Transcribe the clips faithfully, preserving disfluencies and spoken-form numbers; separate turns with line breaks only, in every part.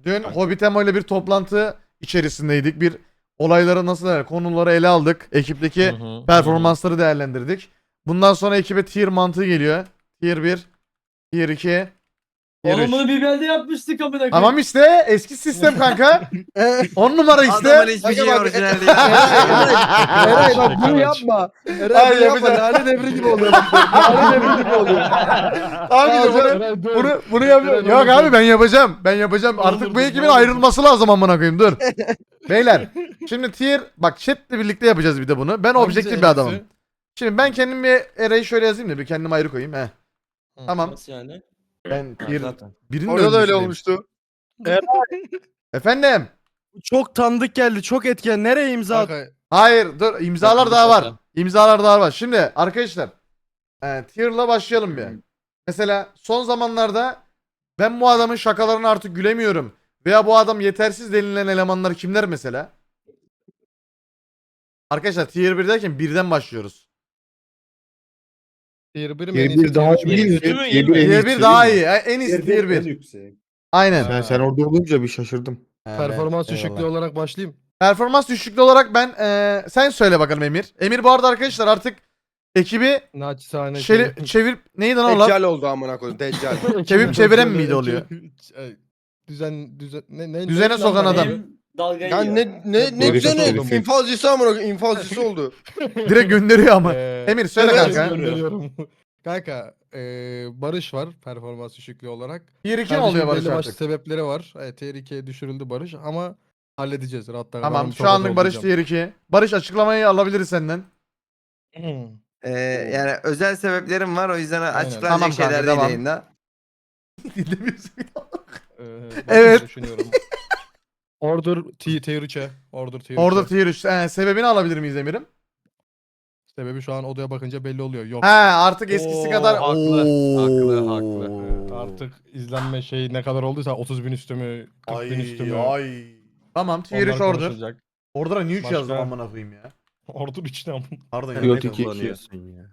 dün Hobbitemo ile bir toplantı içerisindeydik. Bir olayları nasıl der, konuları ele aldık. Ekipteki
Hı hı,
performansları değerlendirdik. Bundan sonra ekibe tier mantığı geliyor. Tier bir, tier iki, tier
Oğlum
üç.
bunu bir belde yapmıştık amına koyayım.
Tamam işte eski sistem kanka. on numara işte.
Adamın hiçbir şey orijinal değil.
Eray bak bunu yapma.
Hayır,
Eray bunu yapma.
yapacağım.
Lale devri gibi oluyor. Lale devri gibi oluyor.
Tamam işte bunu,
Eray, dur.
bunu, bunu yapıyorum. Yok abi ben yapacağım. Ben yapacağım. Artık bu ekibin ayrılması lazım amına koyayım dur. Beyler şimdi tier bak chatle birlikte yapacağız bir de bunu. Ben objektif bir adamım. Şimdi ben kendim bir Eray'ı şöyle yazayım da bir kendimi ayrı koyayım. Heh. Tamam.
Nasıl yani?
Ben tier birinin
Orada da öyle
öncüsüyüm.
olmuştu.
Efendim?
Çok tanıdık geldi. Çok etken. Nereye imza at?
Kanka,
Hayır dur imzalar daha var. İmzalar daha var. Şimdi arkadaşlar e, tier'la başlayalım bir. Mesela son zamanlarda ben bu adamın şakalarına artık gülemiyorum. Veya bu adam yetersiz denilen elemanlar kimler mesela? Arkadaşlar tier bir derken birden başlıyoruz.
tier bir mi?
Tier
en iyisi,
bir daha
tier üç mü?
iyi.
Tier mi?
Tier bir en
Tier
iyisi
bir daha
değil mi?
iyi. En iyisi tier
en
bir.
yüksek.
Aynen.
Ben sen orada olunca bir şaşırdım.
Ha,
Performans
ben-
düşüklüğü
eyvallah.
olarak başlayayım.
Performans düşüklüğü olarak ben e, sen söyle bakalım Emir. Emir bu arada arkadaşlar artık ekibi
Naçizane.
şeli, çevir neydi lan o laf?
Deccal oldu amına koyayım Deccal.
Çevirip çeviren miydi oluyor?
Ay, Düzen düzen ne ne
Düzene
ne-
sokan
lan
adam.
benim?
Benim dalgayı
Ya
yiyor.
ne ne ne
Herif
güzel
herif.
infazcısı amına koyayım infazcısı oldu.
Direkt gönderiyor ama.
Ee,
Emir söyle
evet,
kanka.
gönderiyorum. Kanka eee Barış var performans düşüklüğü olarak.
Tier iki mi
Kardeşim
oluyor Barış
belli başlı
artık?
sebepleri var. Evet, tier ikiye düşürüldü Barış ama halledeceğiz. Rahatlar.
Tamam şu anlık Barış tier iki. Barış açıklamayı alabiliriz senden.
Ee, yani özel sebeplerim var. O yüzden açıklanacak
Tamam kanka,
şeyler değil
devam.
yayında.
Dinlemiyorsun.
Evet.
Evet.
Düşünüyorum. Order T- tier üçe. Order tier
Orada
üçe.
tier üç. Ee, sebebini alabilir miyiz Emir'im?
Sebebi şu an odaya bakınca belli oluyor. Yok.
He artık eskisi
Oo,
kadar.
haklı,
Oo.
haklı, haklı.
Evet, artık izlenme şey ne kadar olduysa otuz bin üstü mü, kırk bin üstü mü?
Ay ay. Tamam tier
Onlar
üç order.
konuşulacak.
Order'a niye üç
Başka?
yazdım amına koyayım ya.
Order üç ne amına?
Pardon ya.
Yok,
neyse.
iki.
Kullanıyorsun ya.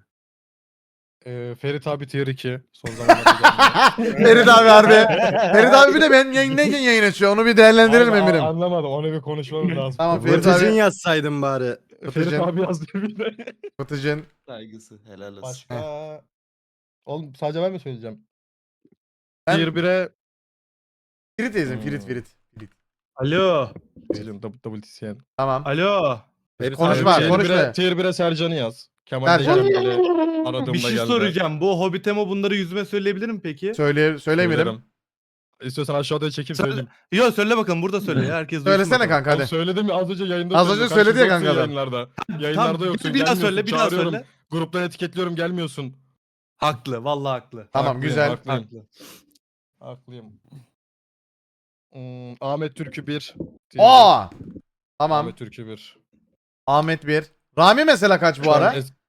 Ee, Ferit abi tier iki. Son zamanlarda geldi.
Ferit abi harbi. Ferit abi bir de ben yayındayken yayın açıyor. Onu bir değerlendirelim
Abi,
Emir'im.
Anlamadım. Onu bir konuşmamız lazım.
Tamam, Ferit
Vıtıcın
abi.
yazsaydın bari.
Ferit
Fıtıcın.
abi yazdı bir de.
Batıcın.
Saygısı helal olsun.
Başka... Oğlum sadece ben mi söyleyeceğim?
Ben-
Tier bire...
Ferit teyzem.
Hmm.
Ferit Ferit. Ferit.
Alo.
Söyleyeyim double, double T C N.
Tamam.
Alo.
Konuşma
Tier
konuşma.
bire, tier bire Sercan'ı yaz. Kemal
Sercan.
de geldi. Aradığımda
Bir şey
geldi.
soracağım. Bu Hobbitemo bunları yüzüme söyleyebilir mi peki?
Söyle, söyle Emir'im.
Söylerim. İstiyorsan aşağıda çekip
Söyle.
söyleyeyim.
Yok söyle bakalım burada söyle ya. Herkes duysun
Söylesene
bakalım.
kanka
Oğlum
hadi.
söyledim ya az önce yayında.
Az önce
söyledim.
söyledi ya
Karşımda
kanka
yoksun
adam.
Yayınlarda. Yayınlarda
Tamam,
yoksun.
bir daha
gelmiyorsun,
söyle, bir daha
çağırıyorum.
söyle.
Gruptan etiketliyorum gelmiyorsun.
Haklı, vallahi haklı.
Tamam
Haklıyım,
güzel.
haklıyım.
Haklı.
Haklıyım. Hmm, Ahmet Türkü bir.
Aa! Tamam.
Ahmet Türkü bir.
Ahmet bir. Rami mesela kaç bu
Şu an
ara?
es-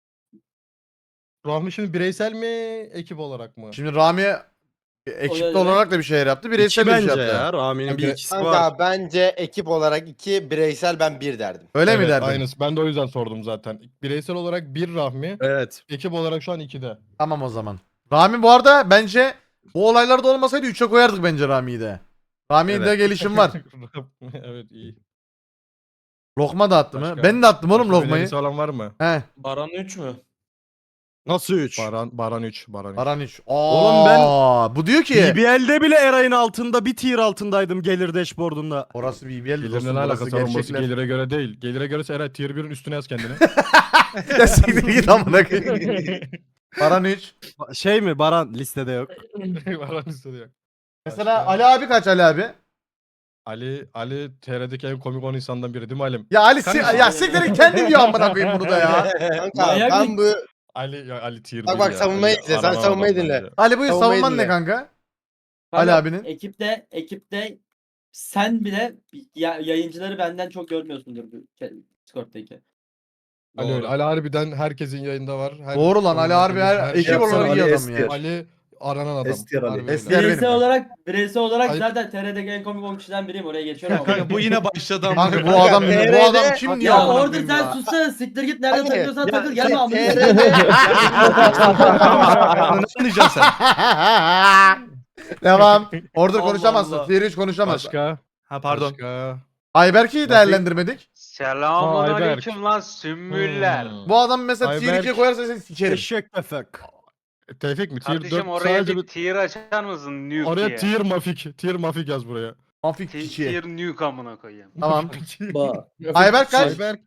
Rahmi şimdi bireysel mi ekip olarak mı?
Şimdi Rami ekipte olarak da bir şeyler yaptı. Bireysel
İki
de bir şey
bence
yaptı.
ya. Rami'nin bir
Kanka-
ikisi var.
Kanka bence ekip olarak iki bireysel ben bir derdim.
Öyle mi
Evet,
derdin?
Aynısı. Ben de o yüzden sordum zaten. Bireysel olarak bir Rahmi.
Evet.
Ekip olarak şu an ikide.
Tamam o zaman. Rami bu arada bence bu olaylarda olmasaydı üçe koyardık bence Rami'yi de. Rami'de
Evet.
gelişim var.
Evet iyi.
Lokma da attı mı?
Başka-
Ben de attım oğlum
Başka
lokmayı.
önerisi olan var mı?
He.
Baran üç mü?
Nasıl üç?
Baran Baran üç. Baran üç.
Baran üç.
Oğlum ben-
Aa, bu diyor ki.
B B L'de bile Eray'ın altında bir tier altındaydım gelir dashboard'unda.
Orası B B L
Gelirle
dostum.
ne
Burası
alakası var? Orası
gerçekler.
gelire göre değil. Gelire göre Eray tier birin üstüne yaz kendini.
Ya siktir git amına koyayım. Baran üç.
Şey mi Baran listede yok.
Baran üstüne yok.
Mesela Ali abi kaç Ali abi?
Ali Ali T R'deki en komik on insandan biri değil mi Alim?
Ya Ali si
Kanka-
ya siktirin kendi diyor amına koyayım bunu da ya.
Kanka
Manyak
ben
mı?
bu
Ali ya Ali tier
Bak
değil
bak,
ya.
savunmayı
Ali
dinle, sen
aranan
savunmayı
adam
dinle.
bence.
Ali buyur
Savunmayı
savunman ne
dinle.
kanka?
Kanka,
Ali abinin.
Ekipte, ekipte sen bile ya, yayıncıları benden çok görmüyorsundur bu ke- Discord'daki.
Ali öyle. Ali harbiden herkesin yayında var. Her-
Doğru lan Ali harbi her
şey
ekip
yapsana,
olarak iyi
Ali
adam ya.
Ester.
Ali aranan adam.
Ester Ali.
Harbi öyle.
Ester. Diğer
Bireysel
benim.
olarak, bireysel olarak
Ay-
zaten T R'deki en komik on kişiden biriyim. Oraya geçiyorum. ama.
Kanka bu yine başladı ama.
Kanka bu adam bu adam kim diyor
Ya
amına
orada
koyayım
sen
ya?
sussana, siktir git, nerede
Hayır,
takılıyorsan
ya
takıl, gelme amına.
T R'de
Ne anlayacaksın sen?
Devam. Order
Allah
konuşamazsın.
Allah.
Tier üç konuşamazsın.
Başka.
Ha pardon.
Başka.
Ayberk'i değerlendirmedik.
Selamun
Ayberk.
aleyküm lan sümbüller.
Hmm.
Bu adam mesela tier
Ayberk-
ikiye koyarsa seni sikerim.
Eşek tefek. Tevfik mi? Tier
Kardeşim
dört
oraya
sadece
bir
bir...
tier açar mısın nuke
Oraya
diye?
tier mafik. Tier mafik yaz buraya.
Mafik
Ti-
kişi.
Tier nuke amına koyayım.
Tamam.
Ba.
Ayberk kaç?
Ayberk.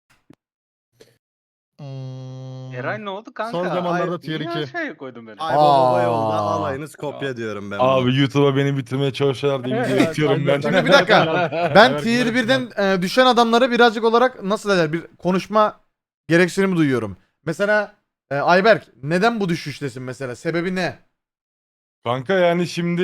Hmm.
Eray ne oldu kanka?
Son zamanlarda
Ay,
tier
niye
iki.
aşağıya koydun beni?
Ay baba
yolda
alayınız
kopya diyorum ben.
Abi YouTube'a beni bitirmeye çalışıyorlar diye video itiyorum ben.
Şimdi bir dakika. Ben
Ayberk
tier
Ayberk
birden e, düşen adamları birazcık olarak nasıl derler bir konuşma gereksinimi duyuyorum. Mesela e, Ayberk neden bu düşüştesin mesela? Sebebi ne?
Kanka yani şimdi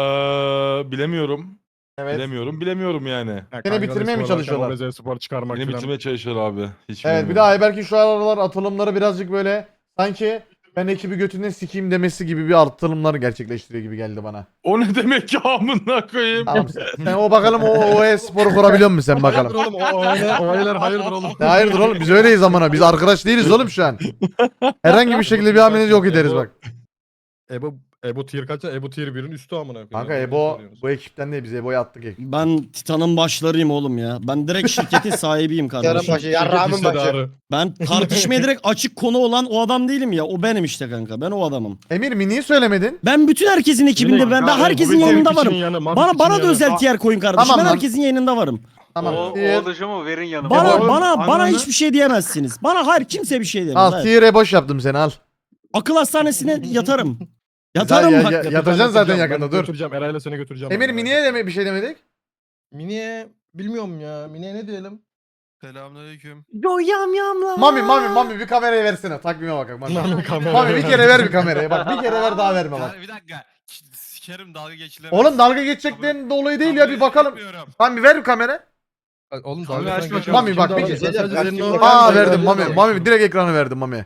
eee, bilemiyorum.
Evet.
Bilemiyorum. Bilemiyorum yani.
Ya
Seni
kanka,
bitirmeye mi
sporlarken
çalışıyorlar?
Obeze spor çıkarmak
Beni
falan.
bitirmeye çalışıyorlar abi. Hiç
Evet bir de
bilmiyorum.
Ayberk'in şu aralar atılımları birazcık böyle sanki ben ekibi götünden sikeyim demesi gibi bir atılımlar gerçekleştiriyor gibi geldi bana.
O ne demek ya amına koyayım?
Tamam sen, sen o bakalım o O E-sporu kurabiliyor musun sen
Hayırdır
bakalım.
oğlum o o aileler, o aileler hayırdır oğlum.
Ya hayırdır oğlum biz öyleyiz amına biz arkadaş değiliz oğlum şu an. Herhangi bir şekilde bir hamlenizi yok ederiz bak.
Ebo Ebo tier kaç? Ebo tier birin üstü amına koyayım.
Kanka
Ya,
Ebo
söylüyoruz.
bu ekipten değil biz Ebo'yu attık ekip.
Ben Titan'ın başlarıyım oğlum ya. Ben direkt şirketin sahibiyim
Yarın
kardeşim.
başı, yarrağımın başı.
Hissedarı.
Ben tartışmaya direkt açık konu olan o adam değilim ya. O benim işte kanka. Ben o adamım.
Emir mi niye söylemedin?
Ben bütün herkesin ekibinde ben, ben
Kanka,
herkesin
Ebo bir
yayınında
tier için
varım.
yanı, Mafik
Bana
için
bana da
yanı.
özel tier koyun kardeşim.
Tamam
Ben
lan.
herkesin yayınında varım.
Tamam.
O,
Tier,
o oluşumu verin yanıma.
Bana
Ebo-
bana bana
Ananı-
hiçbir şey diyemezsiniz. Bana hayır kimse bir şey diyemez.
al
Hayır.
tier'e boş yaptım seni al.
Akıl hastanesine yatarım. Yatarım
Ya-
bak.
ya- yatacaksın zaten yakında
Ben
dur.
Götüreceğim Eray'la seni götüreceğim.
Emir
ben.
Mini'ye deme bir şey demedik.
Mini'ye bilmiyorum ya. Mini'ye ne diyelim?
Selamünaleyküm.
Yo yam yamla.
Mami Mami Mami bir kamerayı versene takvime bakalım. Mami.
Mami kamera.
Mami bir kere ver bir kamerayı bak bir kere ver daha verme bak.
Bir dakika. Sikerim dalga geçilemez.
Oğlum dalga geçeceklerin dolayı değil ya bir bakalım. Mami ver bir kamera.
Oğlum
Kamera
dalga
açma.
geçiyoruz.
Mami,
Kim
bak,
dalga
bir-
geçiyor?
bir-
Sadece senin
bir-
o-
Aa
Ben-
verdim
ben-
Mami.
ben-
Mami direkt ekranı verdim Mami.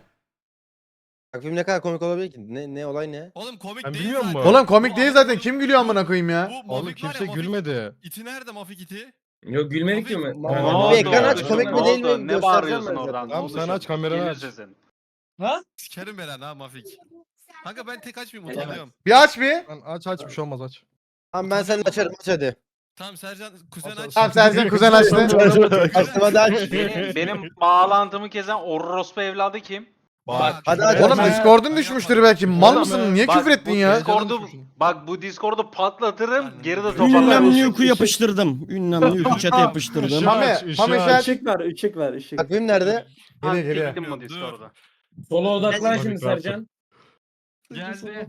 Takvim ne kadar komik olabilir ki? Ne ne olay ne?
Oğlum komik
Ben
değil
bilmiyor
zaten.
musun?
Oğlum komik değil zaten kim gülüyor amına koyayım ya.
Bu
Oğlum
Mafik var ya,
kimse
Mafik-
gülmedi.
İti nerede Mafik iti?
Yok gülmedik ki mi?
Mafik-
Ne
Ne
oldu?
oldu?
ekran aç,
Ne
komik mi
oldu?
değil mi?
Ne
Göstereceğim
bağırıyorsun
ben
oradan?
zaten.
Tamam, sen aç, kameranı
Gelir
aç.
sesin.
Sikerim ben lan ha Mafik. Kanka ben tek açmayayım
Evet.
utanıyorum.
Bir aç bir.
Lan aç aç bir şey olmaz aç.
Tamam ben seni açarım aç hadi.
Tamam Sercan kuzen
Aç,
aç.
aç.
Tamam Sercan kuzen açtı.
Açtım hadi aç.
Benim, benim bağlantımı kezen orospu evladı kim?
Bak.
Hadi aç.
Oğlum
aç.
Discord'un düşmüştür belki. Mal
Oğlum,
mısın? Niye
Bak,
küfür ettin
bu
ya?
Discord'u, bak bu Discord'u patlatırım, geri de toparlarım.
Ünlem nuke'u yapıştırdım. Ünlem nuke'u chat'e yapıştırdım.
Mami,
Aç, ışığı
Mami
aç.
sen-
Işık ver, ışık ver, ışık.
Takvim nerede?
Geliyor, geliyor.
Gittim bu Discord'a.
Sola odaklan
Tabii,
şimdi
tabii.
Sercan.
Geldi.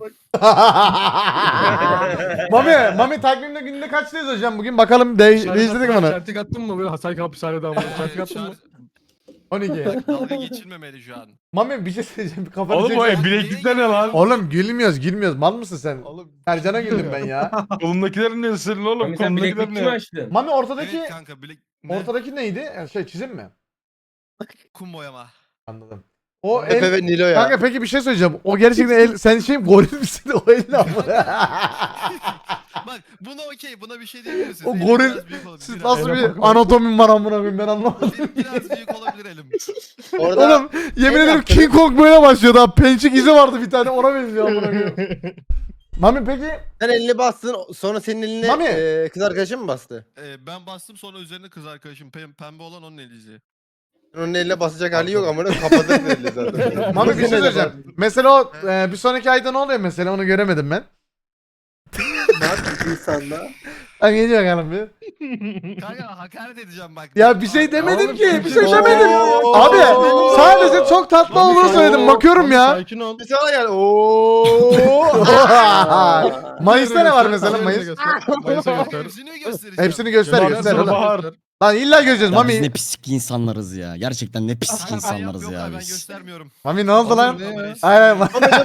Mami, Mami takvimde günde kaçtayız hocam bugün? Bakalım de değiştirdik mi onu?
Çentik attın mı böyle Hasan hapishanede ama? Çentik attın mı?
on iki.
Dalga geçilmemeli şu an.
Mami bir şey söyleyeceğim. Bir kafanı
Oğlum o
çek.
bileklikler ne lan?
Oğlum gülmüyoruz gülmüyoruz. Mal mısın sen?
Oğlum.
Sercan'a güldüm ben ya.
Kolumdakilerin ne senin oğlum?
Mami sen
Kolumdakiler
bileklik mi
ne?
açtın?
Mami ortadaki
Evet kanka bilek... Ne?
ortadaki neydi? Yani Şey çizim mi?
Kum boyama.
Anladım. O
Efe
el...
ve Nilo ya.
Kanka peki bir şey söyleyeceğim. O gerçekten el... Sen şey goril misin? O el ne ama?
Bak buna okey buna bir şey diyebilirsin.
O
Elim
goril-
biraz büyük olabilir,
Siz
biraz.
nasıl
Ele
bir
bakalım.
anatomim var amına koyayım ben anlamadım.
Elim biraz büyük olabilir elim.
Orada
Oğlum yemin
El
ederim
yaptı.
King Kong böyle başlıyordu ha. Pençik izi vardı bir tane ona benziyor amına koyayım. Mami peki
sen elini bastın sonra senin eline
Mami.
e, kız arkadaşın mı bastı?
Ee, ben bastım sonra üzerine kız arkadaşım pem- pembe olan onun eliydi.
Onun eline basacak hali yok ama kapatır elini zaten.
Mami bir şey söyleyeceğim. Mesela o e, bir sonraki ayda ne oluyor mesela onu göremedim ben.
Ne yaptın insanda?
Hadi geliyor bakalım bir.
Kanka hakaret edeceğim bak.
Ya bir şey demedim
Oğlum,
ki. Bir
bir
şey
şey-
demedim.
Oo.
Abi sadece çok tatlı olduğunu söyledim. Bakıyorum
Mami,
ya.
Sakin ol.
Bir sana gel. Oo.
Mayıs'ta ne var mesela
Mayıs'ta
Mayıs?
göster. Mayıs'a göster.
Hepsini göstereceğim.
Hepsini göster
Kemal
göster.
Sunal
Lan,
Bahar.
lan illa göreceğiz
Ya biz ne
Mami.
pislik insanlarız ya. Gerçekten ne pislik
Kanka, ben
insanlarız
yok,
ya
Ben
biz.
göstermiyorum.
Mami ne oldu lan?
Ne ya?
Aynen.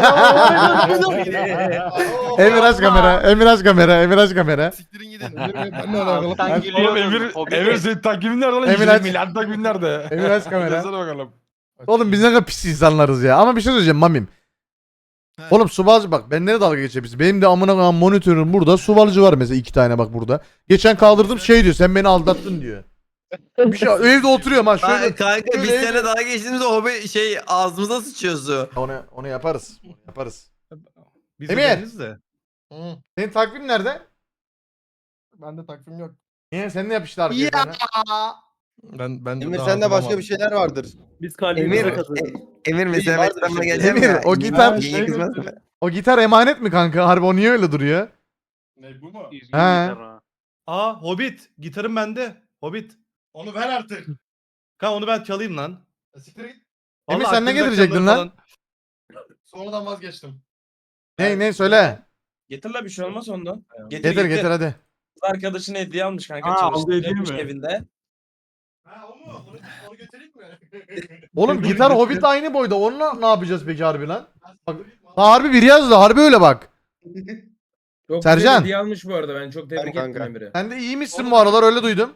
Emir aç kamera. Emir aç kamera. Emir aç kamera.
Siktirin gidin.
Ben ne alakalı?
Alttan
Oğlum
gülüyorsun.
Emir,
Hobbit'e.
Emir senin takvimin nerede lan?
Emir
Emir
aç.
milyar takvimin nerede?
Emir aç kamera.
Yazsana bakalım.
Oğlum biz ne kadar pis insanlarız ya. Ama bir şey söyleyeceğim Mamim.
He.
Oğlum subalcı bak ben nereye dalga geçebiliriz? Benim de amına koyayım monitörüm burada. Subalcı var mesela iki tane bak burada. Geçen kaldırdım şey diyor sen beni aldattın diyor. Bir şey evde oturuyorum ha şöyle.
Kanka biz
şöyle-
seninle dalga geçtiğimizde o be- şey ağzımıza sıçıyordu.
Onu onu yaparız. Onu yaparız.
Biz
Emir!
de deniz de.
Hı.
Senin takvim nerede?
Bende takvim yok.
Niye? Sen ne yapıştı arkaya?
Ya.
sana?
Ben ben
Emir
daha
sende başka
hazırlamadım.
bir şeyler vardır.
Biz kalbimize
Emir,
kazanırız.
e- Emir mesela
vardır
West Ham'a
bir şey.
geleceğim
Emir,
ya.
o gitar-
Yenge
Şey
kızmaz
götür-
mı?
O gitar emanet mi kanka? Harbi o niye öyle duruyor?
Ne bu mu?
İzgin
He.
gitar ha.
Aa Hobbit. Gitarım bende. Hobbit.
Onu ver artık.
Kanka onu ben çalayım lan.
Ya Siktir git.
Emir,
Vallahi
sen ne
aklımda
getirecektin
çalları
lan?
falan.
Sonradan vazgeçtim.
Ne ne söyle.
Getir la bir şey olmaz ondan.
Getir getir hadi.
Arkadaşına hediye almış kanka.
Ha, aldı hediye mi?
evinde.
Ha o mu? Onu, onu götüreyim mi?
Oğlum gitar Hobbit aynı boyda. Onunla ne yapacağız peki harbi lan? Bak, harbi bir yazdı. Harbi öyle bak.
Çok
Sercan.
hediye almış bu arada ben çok
tebrik ettim
Emir'i.
Sen de iyi bu aralar öyle duydum.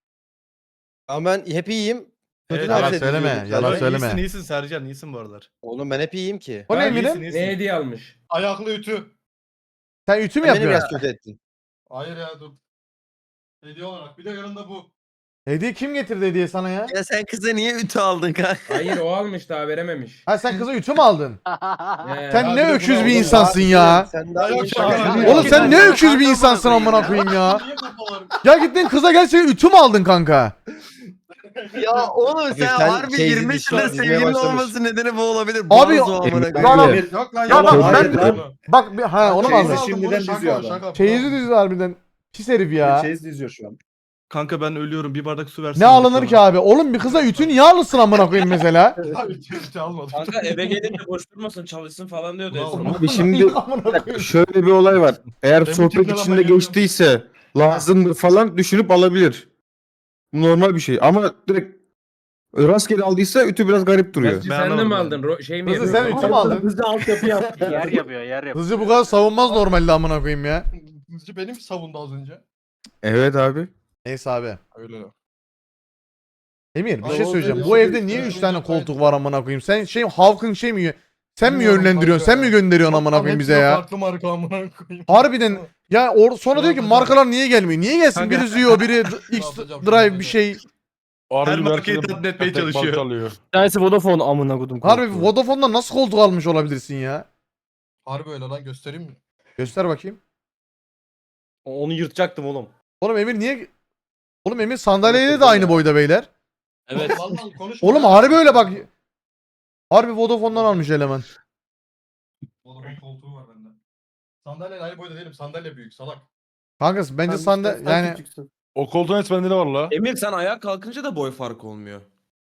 Ama ben hep iyiyim. Kötü
Evet,
dans
yalan
ediyorum
söyleme,
sadece.
yalan
Sen
söyleme.
İyisin iyisin Sercan iyisin bu aralar.
Oğlum ben hep iyiyim ki.
O ne
Ha,
Emir'im?
iyisin, iyisin.
Ne hediye almış?
Ayaklı ütü.
Sen ütü mü
Sen beni biraz
yapıyorsun?
kötü ettin.
Hayır ya dur. Hediye olarak. Bir de yanında bu.
Hediye kim getirdi hediye sana ya?
Ya sen kıza niye ütü aldın kanka?
Hayır o almış daha verememiş.
Ha sen kıza ütü mü aldın?
He.
Sen
Ya
ne
bir de
öküz
bunu
bir
oğlum,
insansın ya.
Sen daha
Yok,
iyi
şaka
şaka
yapıyorum.
Oğlum sen ne öküz bir insansın amına koyayım ya.
Niye kafalar?
Ya gittin kıza gerçekten ütü mü aldın kanka?
Ya oğlum sen,
sen
harbi
teyze
yirmi
dişi
yaşında
dizmeye
sevgilin
başlamış.
olması nedeni bu olabilir.
Abi,
Bazı o amına
Emir-
koyayım.
Lan
Emir-
Yok lan
Ya bak,
yalan.
ben-
Hayır,
Bak bir ha onu mu
Teyze
aldın?
aldım,
Şimdiden
bunu şaka
diziyor
o,
adam.
şaka.
Çeyizi dizi harbiden. Pis herif ya.
Çeyiz diziyor şu an.
Kanka ben ölüyorum bir bardak su versin.
Ne alınır ki abi? Oğlum bir kıza ütü niye alırsın amına koyayım mesela?
Abi ütü ütü almadım.
Kanka eve gelince boş durmasın çalışsın falan diyordu.
Bravo.
Esra.
Abi şimdi
Amına koyayım.
şöyle bir olay var. Eğer
Benim
sohbet
tipine lan
içinde
ben
geçtiyse lazımdır falan düşünüp alabilir. Bu normal bir şey ama direkt rastgele aldıysa ütü biraz garip duruyor.
Gerçi
Ben
sen de mi
anlamadım
aldın? Ro- şey mi
Kızı
yapıyorsun?
sen ütü mü aldın?
Hızlı altyapı yaptı.
Yer yapıyor yer yapıyor.
Kızı bu kadar savunmaz normalde amına koyayım ya.
Kızcı benim savundu az önce.
Evet abi.
Neyse abi.
Öyle.
Emir bir
Ay,
şey
o
söyleyeceğim.
dedi,
Bu
o
evde
dedi,
niye
sen
üç
önce
tane
kaydı.
koltuk var amına koyayım? Sen şey halkın şey mi? Sen mi
Bilmiyorum
yönlendiriyorsun?
kanka
Sen mi
ya.
gönderiyorsun amına
Çoktan
koyayım bize
hepsine
ya?
Farklı marka amına koyayım.
Harbiden ya or sonra
Şunu
diyor ki
atacağım.
markalar niye gelmiyor? Niye gelsin?
Kanka-
Biri Zio, biri D- X
atacağım, şunu
Drive
atacağım.
bir şey.
Her markayı tatmin etmeye çalışıyor.
Tanesi Vodafone amına kodum.
Harbi Vodafone'dan nasıl koltuk almış olabilirsin ya?
Harbi öyle lan göstereyim mi?
Göster bakayım.
Onu yırtacaktım oğlum.
Oğlum Emir niye... Oğlum Emir sandalyeyle de aynı boyda beyler.
Evet.
Vallahi konuşma
Oğlum
ya.
harbi öyle bak. Harbi Vodafone'dan almış eleman.
Oğlum koltuğu var bende. Sandalye aynı boyda değilim. Sandalye büyük salak.
Kanka bence sandalye yani...
O koltuğun et bende ne var la?
Emir sen ayağa kalkınca da boy farkı olmuyor.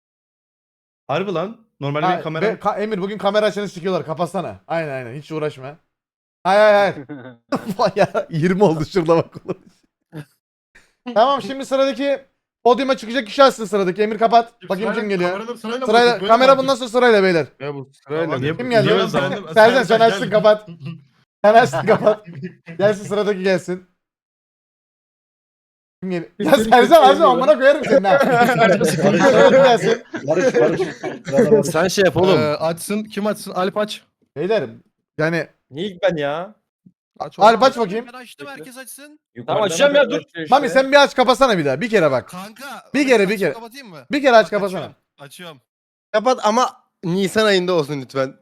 Harbi lan. Normalde
Ha,
benim kameram.
be- ka- Emir bugün kamera açanı sikiyorlar. Kapatsana. Aynen aynen. Hiç uğraşma. Hayır hayır hayır. Vay ya yirmi oldu şurada bak. Tamam şimdi sıradaki podyuma çıkacak kişi açsın sıradaki. Emir kapat. Bakayım kim geliyor.
Kameralar sırayla mı
Sırayla,
bakıyoruz? Böyle
kamera
mi
bundan sonra sırayla beyler.
Ya bu sırayla.
Niye-
Kim geldi?
niye
Sercan,
öyle
Sercan sen
gel.
açsın kapat. Sen açsın kapat. Gelsin sıradaki gelsin. Kim geliyor? Ya Sercan açsın amına koyarım seni ha. Sıradaki gelsin.
Barış Barış.
Sen şey yap
Ee, açsın. Kim açsın? Alp aç.
Beyler yani
Niye ilk ben ya?
Aç.
Alp aç bakayım.
Ben açtım herkes açsın.
Tamam açacağım ya dur.
Mami sen bir aç kapatsana bir daha. Bir kere bak.
Kanka.
Bir kere, bir
açıp
kere.
Kapatayım mı?
Bir kere aç
Bak,
kapatsana.
Açıyorum. Açıyorum.
Kapat ama Nisan ayında olsun lütfen.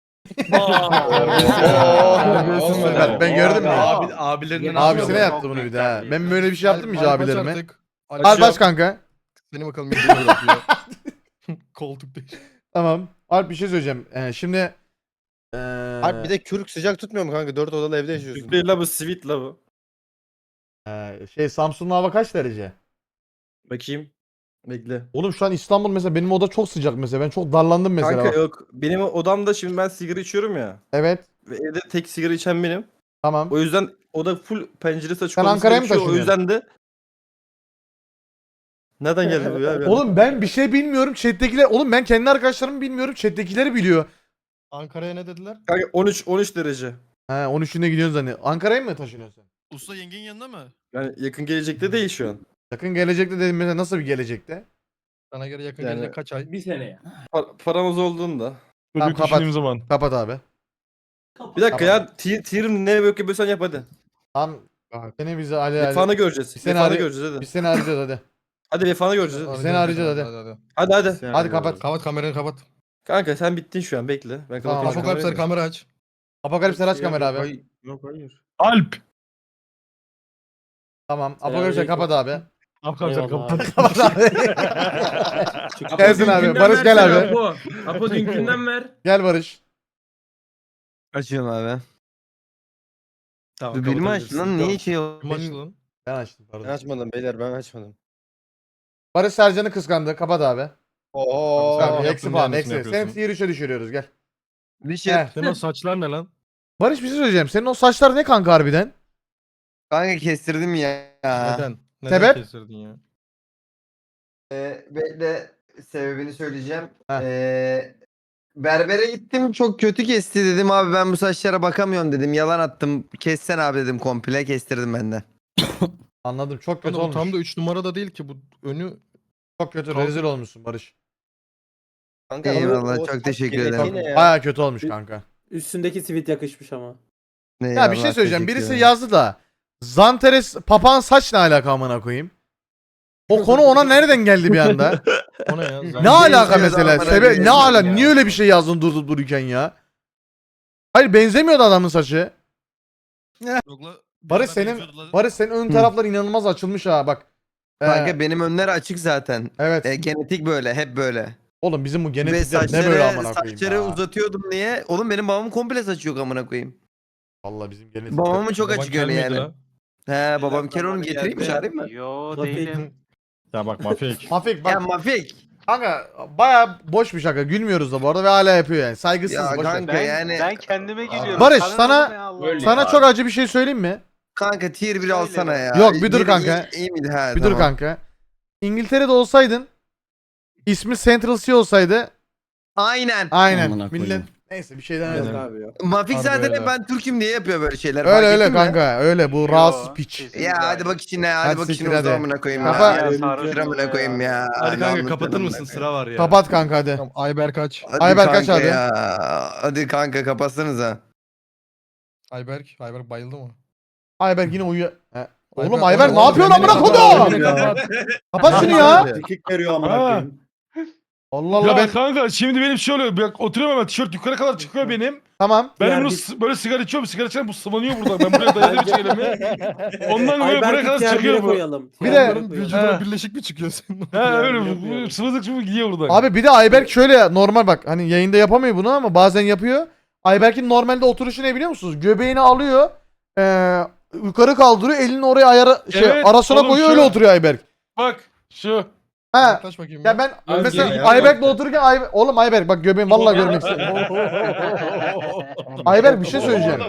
Ben, ben gördüm mü?
Abi, abilerinin
Abisine yaptı bunu bir daha. ha. Ben böyle bir şey yaptım mı hiç
Alp aç
abilerime?
artık. Alp
Alp
aç.
aç kanka.
Seni bakalım. bir şey yapıyor. Koltuk değil.
Tamam. Alp bir şey söyleyeceğim. Ee, şimdi ee,
Harbi bir de kürk sıcak tutmuyor mu kanka? Dört odalı evde yaşıyorsun.
Değil la bu sweet la bu.
ee, şey Samsun'un hava kaç derece?
Bakayım. Bekle.
Oğlum şu an İstanbul mesela benim oda çok sıcak mesela. Ben çok darlandım mesela.
Kanka
bak.
yok. Benim odamda şimdi ben sigara içiyorum ya.
Evet.
Ve evde tek sigara içen benim.
Tamam.
O yüzden oda full penceresi açık
Sen
olması
Ankara'ya mı
gerekiyor. O
taşınıyorsun?
yüzden de nereden geldi bu ya?
Oğlum ben bir şey bilmiyorum. Chat'tekiler oğlum ben kendi arkadaşlarımı bilmiyorum. Chat'tekileri biliyor.
Ankara'ya ne dediler?
Kanka on üç on üç derece.
He on üçünde gidiyorsun zannediyorum. Ankara'ya mı taşınıyorsun sen?
Usta yengenin yanında mı?
Yani yakın gelecekte değil şu an.
Yakın gelecekte dedim mesela nasıl bir gelecekte?
Sana göre yakın
Yani-
gelecek kaç ay?
Bir seneye.
Par- paramız olduğunda.
Tamam,
Çocuk
kapat.
düşündüğüm zaman.
Kapat abi.
Bir dakika
Tamam.
ya. Ti- Tirim ne yapıyorsan yap hadi.
Tamam. Seni bize Ali Ali.
Vefanı göreceğiz.
Bir sene
Vefanı
arı-
göreceğiz hadi.
Biz seni arayacağız hadi.
Hadi vefanı göreceğiz.
Seni arayacağız hadi.
hadi.
Hadi hadi.
Hadi kapat.
Kapat kameranı kapat.
Kanka sen bittin şu an bekle. Ben
Tamam,
kapatayım şu
Apokalipsler
kamerayı.
kamera aç.
Apokalips aç kamera abi.
Yok hayır.
Alp.
Tamam. Apokalipse kapat abi.
Arkadaşlar kapat.
Kapat abi.
Apo
Gelsin abi,
dünkünden
Barış gel
versene
abi.
Apo. Apo dünkünden ver.
Gel Barış.
Açıyorum abi.
Tamam,
Benim açtın lan niye şey oldu?
Kim açtı lan?
Ben açtım
Ben
pardon.
açmadım beyler ben açmadım.
Barış Sercan'ı kıskandı. Kapat abi.
Oo.
Tamam,
yaptın,
eksi puan.
yanlışını
Eksi. Seni
yapıyorsun.
tier üçe düşürüyoruz gel.
Bir şey.
Gel.
Senin o saçlar ne lan?
Barış bir şey söyleyeceğim. Senin o saçlar ne kanka harbiden?
Kanka kestirdim ya.
Neden? Neden
Sebep?
kestirdin ya?
Ee, bekle sebebini söyleyeceğim.
Heh.
Ee, berbere gittim çok kötü kesti dedim abi ben bu saçlara bakamıyorum dedim. Yalan attım. Kessen abi dedim komple kestirdim ben de.
Anladım. Çok kötü
Kanka bu
olmuş.
tam da üç numarada değil ki bu önü.
Çok kötü.
Kalk-
Rezil olmuşsun Barış.
Kanka,
Eyvallah,
o- o
çok
saç
teşekkür
genetiği
ederim.
ne ya?
Baya kötü olmuş kanka.
Üstündeki sivit yakışmış ama.
Ya bir şey söyleyeceğim. Birisi yazdı da Zanteres papağan saç ne alaka amına koyayım? O konu ona nereden geldi bir anda?
O ne ya?
Ne alaka
benziyordu
mesela?
amına
Sebe
koyayım
ne
ya.
ala niye öyle bir şey yazdın durup dururken ya? Hayır benzemiyordu adamın saçı.
Yokla-
Barış
beraber
senin
geziyordular.
Barış senin ön taraflar inanılmaz açılmış ha bak. Ee,
Kanka benim önler açık zaten.
evet.
E, genetik böyle hep böyle.
Oğlum bizim bu
Ve
genetikler ne böyle
saçları,
amına koyayım
saçları
ya.
uzatıyordum diye. Oğlum benim babamın komple saçı yok amına koyayım.
Vallahi bizim genetikler.
Babamın çok
Baban
açık
kel
öyle
miydi
yani.
lan?
He babam
Zamanı
kel onu getireyim mi
geldi.
çağırayım mı?
Yo
Tabii.
değilim.
Ya bak mafik.
Mafik
Ya
bak
Mafik.
kanka baya boş bir şaka gülmüyoruz da bu arada ve hala yapıyor yani saygısız
Ya
boş ver.
kanka
Ben,
yani.
ben kendime geliyorum.
Barış,
Sana
sana-
ne Allah
Öyle
Allah.
Sana çok acı bir şey söyleyeyim mi?
Kanka tier bir
Söyle
alsana
bak.
ya.
Yok, bir dur
Bir
kanka.
iyi, iyi miydi? Ha,
Bir dur
tamam.
kanka. İngiltere'de olsaydın ismi Central Sea olsaydı
Aynen.
aynen
Amına koyayım.
millet neyse bir şey demedim.
Aynen.
abi ya.
Mafik
Harbi
zaten
öyle.
hep ben Türk'üm diye yapıyor böyle şeyler.
Öyle
fark
öyle
ettin mi?
kanka öyle bu
Yo,
rahatsız piç.
kesinlikle
Ya hadi
hayır.
bak içine hadi,
Hadi
bak
siktir
içine
hadi.
uzamına koyayım
Kapa-
ya.
Ya,
Ya
sarhoş
sıramına
oluyor
koyayım ya.
Hadi kanka
Lanet
kapatır
olsun
mısın?
be.
Sıra var ya.
Kapat kanka hadi.
Tamam Ayber kaç?
Hadi
Ayber
kanka
kaç hadi?
ya. Hadi kanka kapatsanıza.
Ayberk. Ayberk bayıldı mı?
Ayberk yine uyuyor. He. Oğlum
Ayberk-
Ayberk ne
Oğlum,
yapıyorsun
beni
amına
kapat,
kodum?
beni kapat.
Kapat şunu ya.
Kekik veriyor amına
Ha.
koyayım.
Allah Allah
Ya
ben
kanka şimdi benim şey oluyor. Bak oturuyorum hemen tişört yukarı kadar çıkıyor benim.
tamam.
Ben
Diğer
bunu
bir-
s- böyle sigara içiyorum. Sigara içerken bu sıvanıyor burada. Ben buraya dayadım çevremi. Ondan böyle buraya kadar çıkıyor bu.
koyalım.
Bir de-
Onların vücuduna
He.
birleşik mi çıkıyor senin?
Ha öyle
Diğer bir
bu- bu
yapıyorum.
sıvızık sıvı gidiyor burada.
Abi bir de Ayberk şöyle normal bak hani yayında yapamıyor bunu ama bazen yapıyor. Ayberk'in normalde oturuşu ne biliyor musunuz? Göbeğini alıyor. Eee yukarı kaldırıyor. Elini oraya ayara şey
Evet,
arasına
oğlum
koyuyor
şu-
öyle oturuyor Ayberk.
Bak şu.
Ha.
Yaklaş bakayım.
Ya ben
Abi
mesela
gene ya.
Ayberk'le otururken Ay oğlum Ayberk bak göbeğim vallahi görmek istiyorum. Ayberk bir şey söyleyeceğim.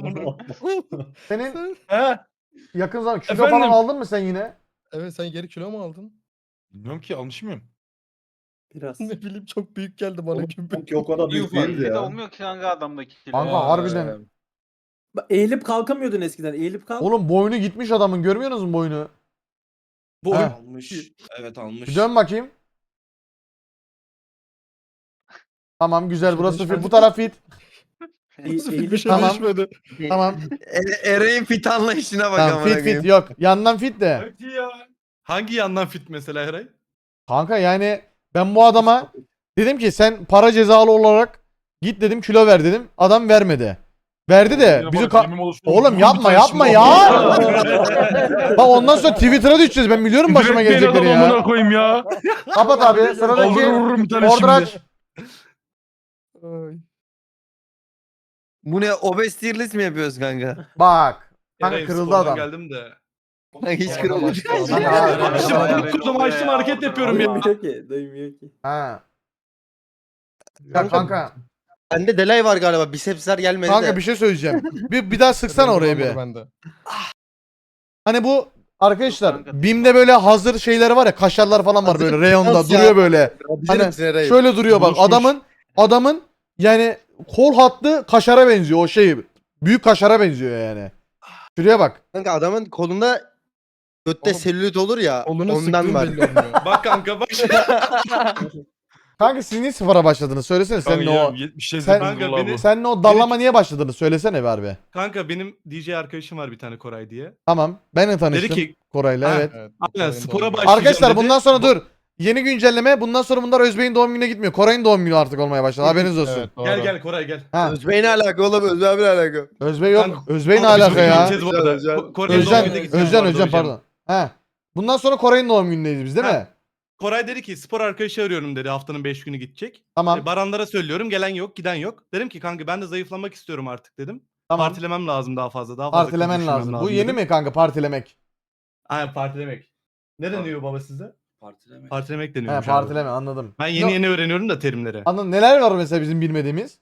Senin
Ha?
yakın zaman kilo
Efendim?
falan aldın mı sen yine?
Evet sen geri kilo mu aldın?
Bilmiyorum ki almış mıyım?
Biraz.
Ne bileyim çok büyük geldi bana kümbür.
Yok o da
İyi
büyük
ufak,
değildi
Bir de
ya.
olmuyor ki kanka adamdaki kilo.
Kanka
Aa,
harbiden.
Bak, eğilip kalkamıyordun eskiden. Eğilip kalk.
Oğlum boynu gitmiş adamın görmüyor musun boynu?
Bu
Ha.
almış. Evet almış.
Bir dön bakayım. Tamam güzel burası
değişmedi.
fit. Bu taraf fit.
Nasıl
eğilip
bir şey
Tamam.
değişmedi.
Tamam.
E- Ereğin fit anlayışına bak
Tamam
amına
fit fit
koyayım.
yok. Yandan fit de.
Hadi ya. Hangi yandan fit mesela Eray?
Kanka yani ben bu adama dedim ki sen para cezalı olarak git dedim kilo ver dedim. Adam vermedi. Verdi de bizi ka- Oğlum yapma yapma ya. Bak ondan sonra Twitter'a düşeceğiz. Ben biliyorum başıma gelecekleri ya.
Amına koyayım ya.
Kapat abi.
Alır
Sıradaki
vururum bir tane
order
şimdi.
aç.
Ay.
Bu ne obez tier list mi yapıyoruz kanka?
Bak. Kanka
Eray,
kırıldı
spordan
adam.
geldim de.
Hiç kırılmadı.
İşte bu kuzum açtım hareket yapıyorum ya.
Duymuyor ki. Duymuyor ki.
Ha. Ya kanka.
Bende delay var galiba. Bisepsler gelmedi
Kanka
de.
bir şey söyleyeceğim. Bir, bir daha sıksana oraya bir.
Bende.
Hani bu arkadaşlar
Kanka.
BİM'de böyle hazır şeyler var ya kaşarlar falan var böyle reyonda
Nasıl ya?
duruyor böyle.
Bilir
Hani
misin Eray?
şöyle duruyor bak
Buluşmuş.
adamın adamın yani kol hattı kaşara benziyor o şey. Büyük kaşara benziyor yani. Şuraya bak.
Kanka adamın kolunda götte
Oğlum,
selülit olur ya.
Koluna
ondan
sıktığın
var.
belli olmuyor.
Bak kanka bak.
Kanka siz niye sıfıra başladınız söylesene sen ne o.
yetmiş
Sen-
kanka, beni,
Sen ne o dallama niye başladınız söylesene be harbi.
kanka benim D J arkadaşım var bir tane Koray diye.
Tamam ben de tanıştım
Dedi ki
Koray'la
Ha,
evet.
Evet.
aynen
Benim de
spora
olmuyor.
başlayacağım
Arkadaşlar
dedi.
bundan sonra dur. Yeni güncelleme. Bundan sonra bunlar Özbey'in doğum gününe gitmiyor. Koray'ın doğum günü artık olmaya başladı. Haberiniz olsun.
Evet, doğru.
Gel gel Koray gel.
Ha.
Özbey ne alaka oğlum? Özbey abi ne alaka?
Özbey yok.
Kanka,
Özbey ne
Biz
alaka
bugün
ya?
gideceğiz bu arada.
Özcan,
Ko- Koray'ın doğum
Özcan,
gününe gideceğiz
Özcan,
bu arada
Özcan
hocam.
pardon. He. Bundan sonra Koray'ın doğum günündeyiz biz değil
Ha.
mi?
Koray dedi ki spor arkadaşı arıyorum dedi, haftanın beş günü gidecek.
Tamam.
E, Baranlara söylüyorum, gelen yok, giden yok. Dedim ki kanka ben de zayıflamak istiyorum artık dedim.
Tamam.
Partilemem lazım daha fazla. Daha fazla kız
Partilemen
düşünmem
lazım. Bu yeni
dedim.
mi kanka partilemek?
Aynen partilemek. Ne deniyor baba sizde?
Partilemek.
Partilemek
He
deniyor.
partileme anladım.
Ben yeni
No-
yeni öğreniyorum da terimleri.
Anladım. Neler var mesela bizim bilmediğimiz?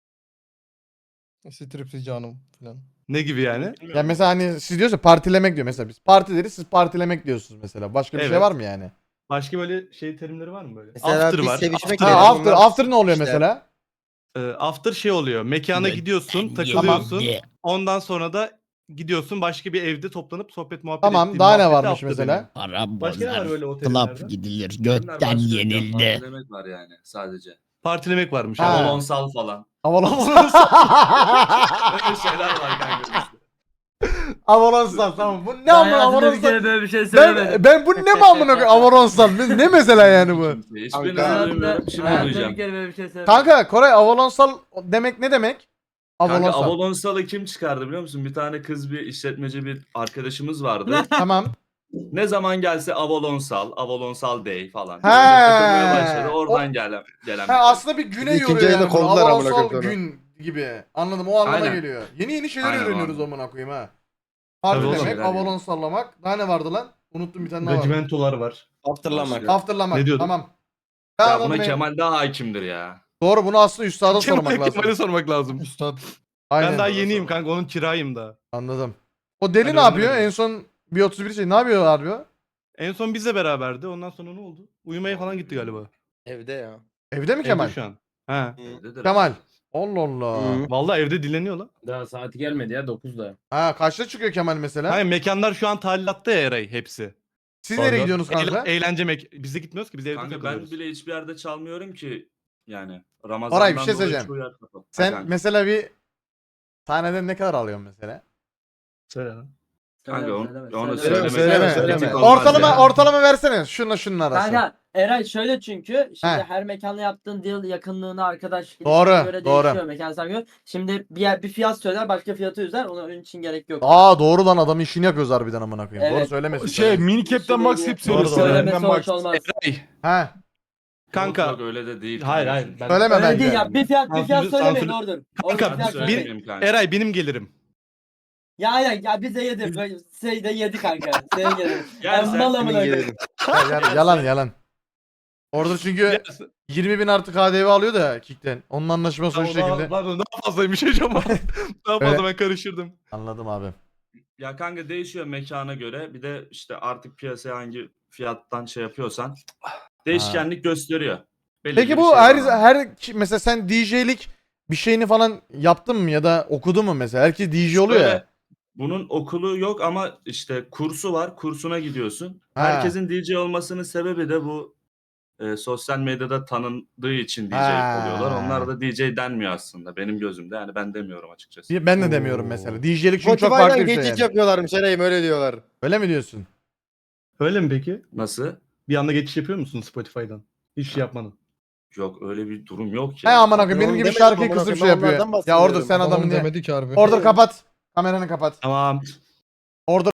Stripsi canım falan.
Ne gibi yani?
Yani mesela hani siz diyorsa partilemek diyor mesela biz. Parti deriz siz partilemek diyorsunuz mesela. Başka bir şey
Evet.
var mı yani?
Başka böyle şey terimleri var mı böyle?
Mesela
After
biz
var.
sevişmek
After,
Ha,
Evet,
after,
onlar-
after ne oluyor
işte.
mesela?
e, after şey oluyor. Mekana gidiyorsun, takılıyorsun. Ondan sonra da gidiyorsun başka bir evde toplanıp sohbet muhabbet
Tamam
ettiğin
daha ne
muhabbete
varmış
after
mesela?
deniyor.
Para
Başka ne var
bozar.
böyle o
Club
terimlerden?
gidilir. Götten yenildi.
Partilemek var yani sadece.
Partilemek varmış.
Ha.
abi.
Balonsal falan.
Avalon.
Öyle şeyler var kanka.
Avalonsal tamam. Bu ne amına
Hayatımda bir
Avalonsal?
kere böyle bir şey söylemedim.
Ben, ben bu ne mi amına koyayım Avalonsal? Ne, ne mesela yani bu?
Hiçbirini
Hayatımda,
duymuyorum. Şimdi
hayatımda
duyacağım.
bir kere böyle bir şey söylemedim.
Kanka Koray Avalonsal demek ne demek?
Kanka
Avalonsal.
Avalonsal'ı kim çıkardı biliyor musun? Bir tane kız bir işletmeci bir arkadaşımız vardı.
Tamam.
Ne zaman gelse Avalonsal, Avalonsal Day falan.
He.
Böyle takılmaya başladı. Oradan gelen gelen.
Ha, aslında bir güne
İkinci
yoruyor
ayında
yani. bunu.
kovdular amına
Avalonsal
koyayım sonra.
gün gibi. Anladım o anlama
Aynen.
geliyor. Yeni yeni şeyler
Aynen o
öğreniyoruz
anlam.
amına koyayım ha.
Tabii
Parti
oğlum.
demek, Avalon sallamak. Daha ne vardı lan? Unuttum bir tane daha var.
Regimentolar var.
Afterlamak.
Afterlamak.
Ne diyordun?
Tamam. Ben
Ya
anladım
buna
ne-
Kemal daha hakimdir ya.
Doğru bunu aslında üstada sormak
Kemal,
lazım.
Kemal'e sormak lazım.
Üstad.
Aynen.
Ben daha yeniyim kanka, onun kirayım da.
Anladım. O deli
Hadi
ne yapıyor?
öğrenelim.
En son bir otuz bir şey ne yapıyor harbi o?
En son bizle beraberdi. Ondan sonra ne oldu? Uyumaya falan gitti galiba.
Evde ya.
Evde mi
Evde
Kemal?
şu an. He.
Evdedir
Kemal.
abi.
Allah Allah.
Hı.
Vallahi evde dinleniyor lan.
Daha saati gelmedi ya dokuzda.
Ha kaçta çıkıyor Kemal mesela?
Hayır, mekanlar şu an talilatta ya Eray hepsi.
Siz
Orada.
nereye gidiyorsunuz kanka?
Eğlen- eğlence mek... Biz de gitmiyoruz ki, biz evde
Kanka ben
takılıyoruz.
bile hiçbir yerde çalmıyorum ki. Yani Ramazan'dan
Oray, bir şey
dolayı
söyleyeceğim.
çoğu yer kapalı.
Sen
Ha, kanka.
mesela bir sahneden ne kadar alıyorsun mesela?
Söyle lan.
Kanka onu,
Söyleme,
onu
söyleme.
söylemek
Söyleme,
kritik
söyleme.
olmaz
Ortalama
yani.
ortalama versene. Şunla şunun arası.
Kanka Eray şöyle çünkü şimdi
He.
her mekanla yaptığın deal yakınlığına arkadaş
Doğru,
ilişkine göre
doğru.
değişiyor mekansal göre. Şimdi bir yer, bir fiyat söyler başka fiyatı üzer onun için gerek yok.
Aa doğru lan adamın işini yapıyoruz harbiden amına koyayım.
Evet.
Doğru söylemesin.
Şey mini cap'ten max hep
Doğru,
söylüyorsun.
doğru.
Söylemesi
Benden
hoş
max.
olmaz.
Eray.
Ha.
Kanka.
Yok, yok, öyle de değil.
Hayır
kanka.
hayır. Ben...
Söyleme
Öyle
bence.
değil ya bir fiyat bir fiyat
Sansür-
söylemeyin
sansür-
doğrudur.
Kanka,
Orada bir fiyat
bir-
söylemeyin.
Söyleyeyim kanka.
Eray benim gelirim.
Ya aynen ya biz de yedik. Böyle Şey de yedi kanka. Senin gelirim.
Gel
Ben
sen,
mal
senin
amına
gelirim.
koyayım.
Ya- ya- yalan yalan. Orada çünkü yirmi bin artı K D V alıyor da Kick'ten. Onun anlaşması o şekilde.
Pardon, daha fazlaymış hocam. Daha
Öyle.
fazla ben karıştırdım.
Anladım abi.
Ya kanka değişiyor mekana göre. Bir de işte artık piyasaya hangi fiyattan şey yapıyorsan değişkenlik gösteriyor. Belli
Peki
bir
bu
şey
her
var.
her ki- mesela sen D J'lik bir şeyini falan yaptın mı ya da okudun mu mesela? Herkes D J oluyor ya.
Böyle, bunun okulu yok ama işte kursu var. Kursuna gidiyorsun.
Ha.
Herkesin D J olmasının sebebi de bu e, sosyal medyada tanındığı için D J
Ha.
oluyorlar. Onlar da D J denmiyor aslında benim gözümde. Yani ben demiyorum açıkçası.
Bir- Ben de demiyorum mesela. D J'lik çünkü çok farklı
Spotify'dan
bir şey.
geçiş
Yani.
yapıyorlarmış Eray'ım öyle diyorlar.
Öyle mi diyorsun?
Öyle mi peki?
Nasıl?
Bir anda geçiş yapıyor musun Spotify'dan? Hiç şey yapmadın.
Yok öyle bir durum yok
He
ya.
amına koyayım
Ben
benim
onu
gibi
demedim
şarkıyı
amına
kısıp
koyayım,
şey
ben
yapıyor.
onlardan
Ya orada
bahsediyorum.
sen
Adam
adamın
onu
diye.
demedik harbi.
Order kapat. Kameranı kapat.
Tamam.
Order